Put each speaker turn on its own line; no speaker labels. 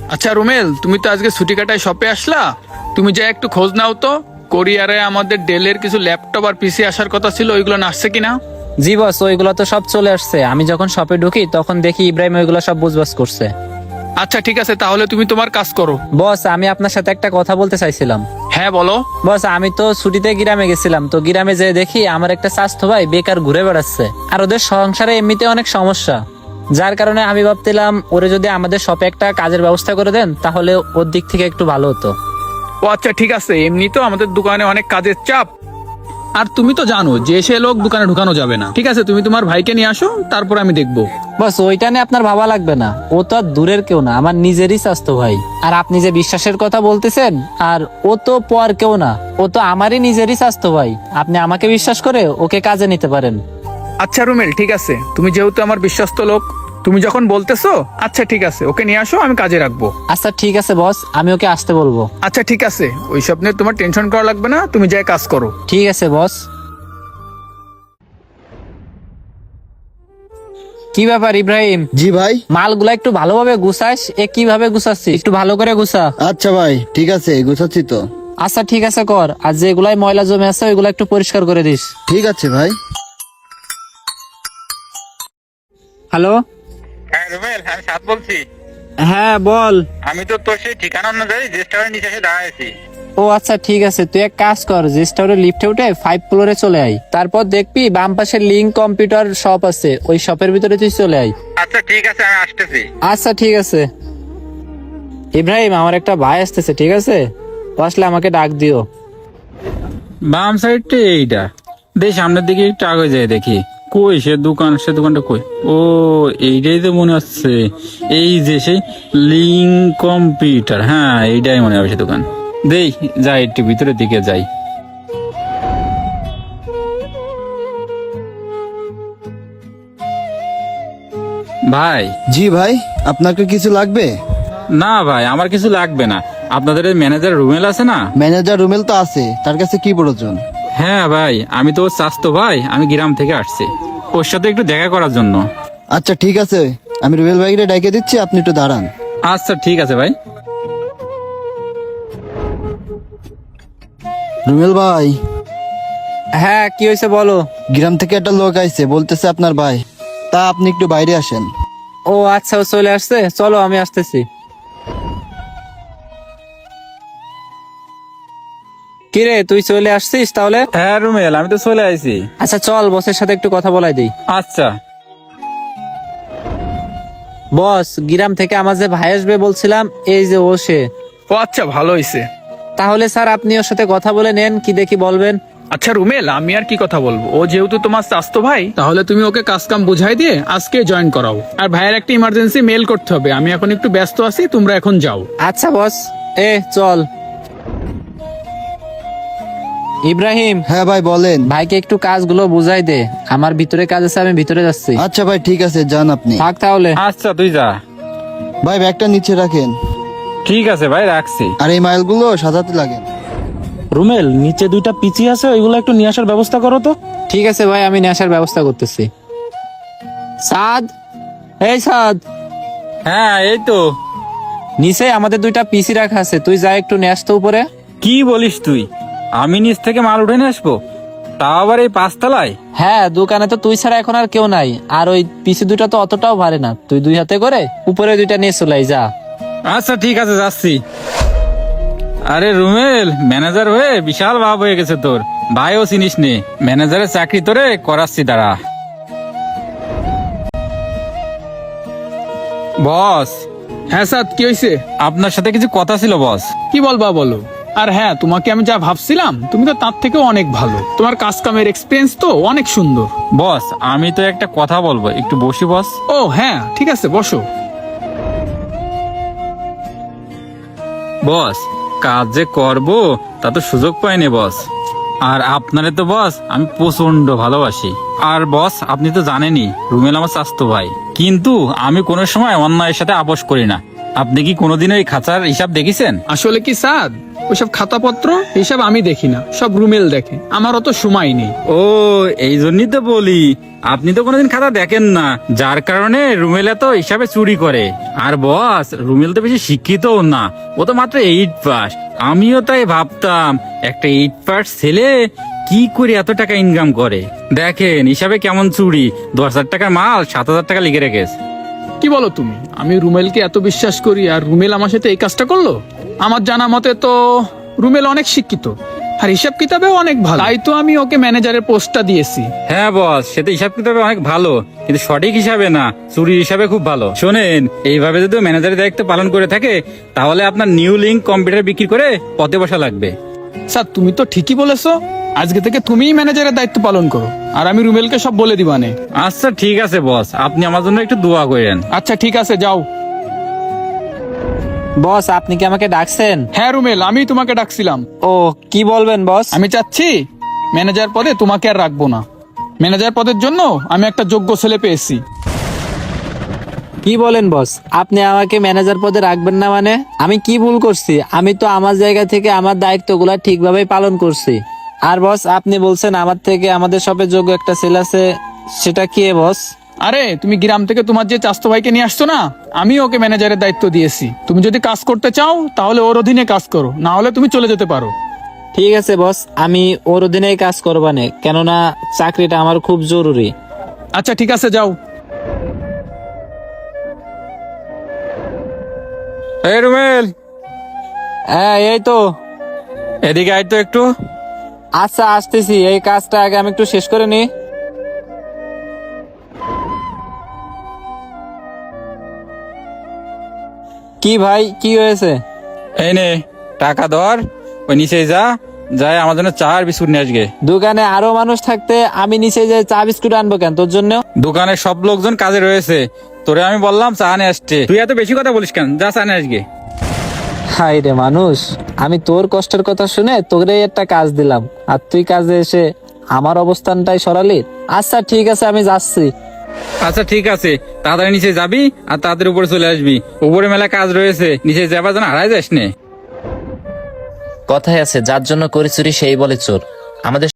আচ্ছা রুমেল, তুমি তো আজকে ছুটি কাটায় শপে আসলা, তুমি যা একটু খোঁজ নাও তো কোরিয়ারে আমাদের ডেলের কিছু ল্যাপটপ আর পিসি আসার কথা ছিল, ওইগুলো আসছে কিনা।
জি বস, ওইগুলো তো সব চলে আসছে। আমি যখন শপে ঢুকি তখন দেখি ইব্রাহিম ওইগুলো সব বুঝবাস করছে।
আচ্ছা ঠিক আছে, তাহলে তুমি তোমার কাজ করো।
বস, আমি আপনার সাথে একটা কথা বলতে চাইছিলাম।
হ্যাঁ বলো।
বস, আমি তো ছুটিতে গ্রামে গেছিলাম, তো গ্রামে যেয়ে দেখি আমার একটা স্বাস্থ্য ভাই বেকার ঘুরে বেড়াচ্ছে, আর ওদের সংসারে এমনিতে অনেক সমস্যা। যার কারণে আমি ভাবছিলাম ওরে যদি আমাদের শপে একটা কাজের ব্যবস্থা করে দেন তাহলে ওর দিক থেকে একটু ভালো হতো।
ও আচ্ছা ঠিক আছে, এমনি তো আমাদের দোকানে অনেক কাজের চাপ, আর তুমি তো জানো যে সে লোক দোকানে ঢুকানো যাবে না। ঠিক আছে, তুমি তোমার ভাইকে নিয়ে আসো, তারপর আমি দেখবো।
বস, ওইটা নিয়ে আপনার ভাবা লাগবে না, ও তো আর দূরের কেউ না, আমার নিজেরই স্বাস্থ্য ভাই। আর আপনি যে বিশ্বাসের কথা বলতেছেন, আর ও তো পর কেউ না, ও তো আমারই নিজেরই স্বাস্থ্য ভাই। আপনি আমাকে বিশ্বাস করে ওকে কাজে নিতে পারেন।
আচ্ছা রুমেল, ঠিক আছে, তুমি যেহেতু আমার বিশ্বস্ত লোক, তুমি যখন বলতেছো, আচ্ছা ঠিক আছে, ওকে নিয়ে আসো, আমি কাজে রাখবো।
আচ্ছা ঠিক আছে বস, আমি ওকে আসতে বলবো।
আচ্ছা ঠিক আছে, ওইসব নিয়ে তোমার টেনশন করা লাগবে না, তুমি যাই কাজ করো।
ঠিক আছে বস। কি ব্যাপার ইব্রাহিম,
জি ভাই।
মালগুলা একটু ভালোভাবে গুছাস। কিভাবে গুছাচ্ছিস, একটু ভালো করে গুছা।
আচ্ছা ভাই, ঠিক আছে, গুছাচ্ছি তো।
আচ্ছা ঠিক আছে কর, আর যেগুলাই ময়লা জমে আছে ওইগুলা একটু পরিষ্কার করে দিস।
ঠিক আছে ভাই।
হ্যালো।
হ্যাঁ রুবেল, আমি সাত বলছি।
হ্যাঁ বল।
আমি তো তোর সেই ঠিকানা অনুযায়ী রেস্টুরেন্ট নিচে এসে দাঁড়াইছি।
ও আচ্ছা ঠিক আছে, তুই এক কাজ কর, রেজিস্টারে লিফটে উঠে 5 ফ্লোরে চলে আয়। তারপর দেখবি বাম পাশে লিঙ্ক কম্পিউটার শপ আছে, ওই শপের ভিতরে তুই চলে আয়।
আচ্ছা ঠিক আছে, আমি আসতেছি।
আচ্ছা ঠিক আছে। ইব্রাহিম, আমার একটা ভাই আসতেছে, ঠিক আছে? ও আসলে আমাকে ডাক দিও।
বাম সাইডটা এইটা, দেখ সামনের দিকে একটু আগে যায় দেখি। কই সে দোকান, সে দোকানটা কই? ও এইটাই তো মনে হচ্ছে, এই যে সেই লিঙ্ক কম্পিউটার, হ্যাঁ এইটাই মনে হবে সে দোকান। দেই যাই, একটু ভিতরের দিকে যাই। ভাই।
জি ভাই, আপনাকে কিছু লাগবে?
না ভাই, আমার কিছু লাগবে না। আপনাদের ম্যানেজার রুমেল আছে না?
ম্যানেজার রুমেল তো আছে, তার কাছে কি প্রয়োজন?
হ্যাঁ ভাই, আমি তো ওর চাস্তো ভাই, আমি গ্রাম থেকে আসছি ওর সাথে একটু দেখা করার জন্য।
আচ্ছা ঠিক আছে, আমি রুবেল ভাইকে ডেকে দিচ্ছি, আপনি একটু দাঁড়ান।
আচ্ছা ঠিক আছে ভাই।
রুমেল ভাই,
হ্যাঁ কি হয়েছে বলো।
গ্রাম থেকে একটা লোক আইছে, বলতেছে আপনার ভাই, তা আপনি একটু বাইরে আসেন।
ও আচ্ছা, ও চলে আসছে, চলো আমি আসতেছি। কিরে, তুই চলে আসছিস তাহলে?
হ্যাঁ রুমেল, আমি তো চলে আইছি।
আচ্ছা চল, বসের সাথে একটু কথা বলাই দিই।
আচ্ছা।
বস, গ্রাম থেকে আমার যে ভাই আসবে বলছিলাম, এই যে ও সে।
ও আচ্ছা, ভালো হয়েছে।
তাহলে স্যার আপনি ওর সাথে কথা বলে নেন, কি দেখি বলবেন।
আচ্ছা রুমেল, আমি আর কি কথা বলবো, ও যেহেতু তোমার স্বাস্থ্য ভাই, তাহলে তুমি ওকে কাজ কাম বুঝাই দিয়ে আজকে জয়েন করাও। আর ভাইয়ের একটা ইমার্জেন্সি মেল করতে হবে, আমি এখন একটু ব্যস্ত আছি, তোমরা এখন যাও।
আচ্ছা বস, চল। ইব্রাহিম,
হ্যাঁ ভাই বলেন।
ভাইকে একটু কাজগুলো বুঝাই দে, আমার ভিতরে কাজ আছে, আমি ভিতরে যাচ্ছি।
আচ্ছা ভাই ঠিক আছে, যান আপনি।
থাক তাহলে।
আচ্ছা তুই যা।
ভাই ব্যাগটা নিচে রাখেন,
ঠিক আছে ভাই, রাখছি।
আর এই মাইলগুলো সাজাতে লাগেন।
রুমেল, নিচে দুইটা পিচি আছে, ওইগুলো একটু নিয়ে আসার ব্যবস্থা করো তো।
ঠিক আছে ভাই, আমি নিয়ে আসার ব্যবস্থা করতেছি। সাদ, এই সাদ,
হ্যাঁ এই তো।
নিচে আমাদের দুইটা পিসি রাখা আছে, তুই যা একটু নিয়ে আসতো উপরে।
কি বলিস তুই? আমি নিচ থেকে মাল উঠে নিয়ে আসবো, তাও আবার এই 5 তলায়?
হ্যাঁ, দোকানে তো তুই ছাড়া এখন আর কেউ নাই, আর ওই পিসি দুইটা তো অতটাও ভারী না, তুই 2 হাতে করে উপরে দুইটা নিয়ে চলে আয়, যা।
আচ্ছা ঠিক আছে, যাচ্ছি। আরে রুমেল, ম্যানেজার হয়ে বিশাল ভাব হয়ে গেছে তোর। ভাইও চিনিস নে, ম্যানেজারের চাকরি তোরে করাচ্ছি, দাঁড়া। বস।
হ্যাঁ স্যার, কি হয়েছে?
আপনার সাথে কিছু কথা ছিল বস।
কি বলবা বলো। আর হ্যাঁ, তোমাকে আমি যা ভাবছিলাম, তুমি তো তার থেকেও অনেক ভালো, তোমার কাজ কামের এক্সপিরিয়েন্স তো অনেক সুন্দর।
বস, আমি তো একটা কথা বলবো, একটু বসি বস।
ও হ্যাঁ ঠিক আছে, বসো।
বস, কাজ যে করবো তা তো সুযোগ পাইনি বস। আর আপনারে তো বস আমি প্রচন্ড ভালোবাসি। আর বস, আপনি তো জানেনই রুমেল আমার স্বাস্থ্য ভাই, কিন্তু আমি কোনো সময় অন্যায়ের সাথে আপোষ করি না। আপনি কি কোনোদিন ওই খাঁচার হিসাব দেখেছেন?
আসলে কি সাদ, ওইসব খাতাপত্র এইসব আমি দেখি না, সব রুমেল দেখে। আমার অত সময় নেই।
ও এই জন্যই তো বলি, আপনি তো কোনোদিন খাতা দেখেন না, যার কারণে রুমেল এত হিসাবে চুরি করে। আর বস, রুমেল তো বেশি শিক্ষিতও না, ও তো মাত্র 8 পাস। আমিও তাই ভাবতাম একটা 8 পাস ছেলে কি করে এত টাকা ইনকাম করে। দেখেন হিসাবে কেমন চুরি, 10,000 টাকার মাল 7,000 টাকা লিখে রেখেছে।
কি বলো তুমি? আমি রুমেলকে এত বিশ্বাস করি আর রুমেল আমার সাথে এই কাজটা করলো? আমার জানা মতে তো রুমেল অনেক শিক্ষিত আর হিসাব কিতাবেও অনেক ভালো, তাই তো আমি ওকে ম্যানেজারের পোস্টটা দিয়েছি।
হ্যাঁ বস, সে তো হিসাব কিতাবে অনেক ভালো, কিন্তু সঠিক হিসাবে না, চুরি হিসাবে খুব ভালো। শোনেন, এইভাবে যদি ম্যানেজারের দায়িত্ব পালন করে থাকে তাহলে আপনার নিউ লিঙ্ক কম্পিউটার বিক্রি করে পথে বসা লাগবে।
স্যার তুমি তো ঠিকই বলেছো, আজকে থেকে তুমিই ম্যানেজারের দায়িত্ব পালন করো আর আমি রুমেলকে সব বলে দিবানে।
আচ্ছা ঠিক আছে বস, আপনি আমার জন্য একটু দোয়া করেন।
আচ্ছা ঠিক আছে, যাও।
বস, আপনি কি আমাকে ডাকছেন?
হ্যাঁ রুমেল, আমি তোমাকে ডাকছিলাম।
ও, কি বলবেন বস?
আমি চাচ্ছি ম্যানেজার পদে তোমাকে আর রাখবো না। ম্যানেজার পদের জন্য আমি একটা যোগ্য ছেলে পেয়েছি।
কি বলেন বস? আপনি আমাকে ম্যানেজার পদে রাখবেন না মানে? আমি কি ভুল করছি? আমি তো আমার জায়গা থেকে আমার দায়িত্বগুলো ঠিকভাবে পালন করছি। আর বস, আপনি বলছেন আমার থেকে আমাদের সবে যোগ্য একটা ছেলে আছে, সেটা কি বস?
আরে তুমি গ্রাম থেকে তোমার যে চাস্তো ভাইকে নিয়ে আসছো না, আমি ওকে ম্যানেজারের দায়িত্ব দিয়েছি। তুমি যদি কাজ করতে চাও তাহলে ওর অধীনে কাজ করো, না হলে তুমি চলে যেতে পারো।
ঠিক আছে বস, আমি ওর অধীনেই কাজ করবানে, কেননা চাকরিটা আমার খুব জরুরি।
আচ্ছা ঠিক আছে, যাও।
এই রুমেল,
হ্যাঁ এই তো।
এদিকে আয় তো একটু।
আচ্ছা আসতেছি, এই কাজটা আগে আমি একটু শেষ করে নি। কি ভাই, কি হয়েছে?
এই নে টাকা ধর, ওই নিচে যা, যাই আমার জন্য চা আর বিস্কুট নিয়ে আসবে।
দোকানে আরো মানুষ থাকতে আমি নিচে যে চা বিস্কুট আনবো কেন তোর জন্য?
দোকানে সব লোকজন কাজে রয়েছে, তোরে আমি বললাম চা নিয়ে আসতে, তুই এত বেশি কথা বলিস কেন? যা চা নিয়ে আসবে।
হাই রে মানুষ, আমি তোর কষ্টের কথা শুনে তোরে একটা কাজ দিলাম আর তুই কাজে এসে আমার অবস্থানটাই সরালি। আচ্ছা ঠিক আছে, আমি যাচ্ছি।
আচ্ছা ঠিক আছে, তাড়াতাড়ি নিচে যাবি আর তাড়াতাড়ি উপরে চলে আসবি, উপরে মেলা কাজ রয়েছে, নিচে যাবার জন্য হারাই যাস নে।
কথায় আছে, যার জন্য করি চুরি সেই বলে চোর। আমাদের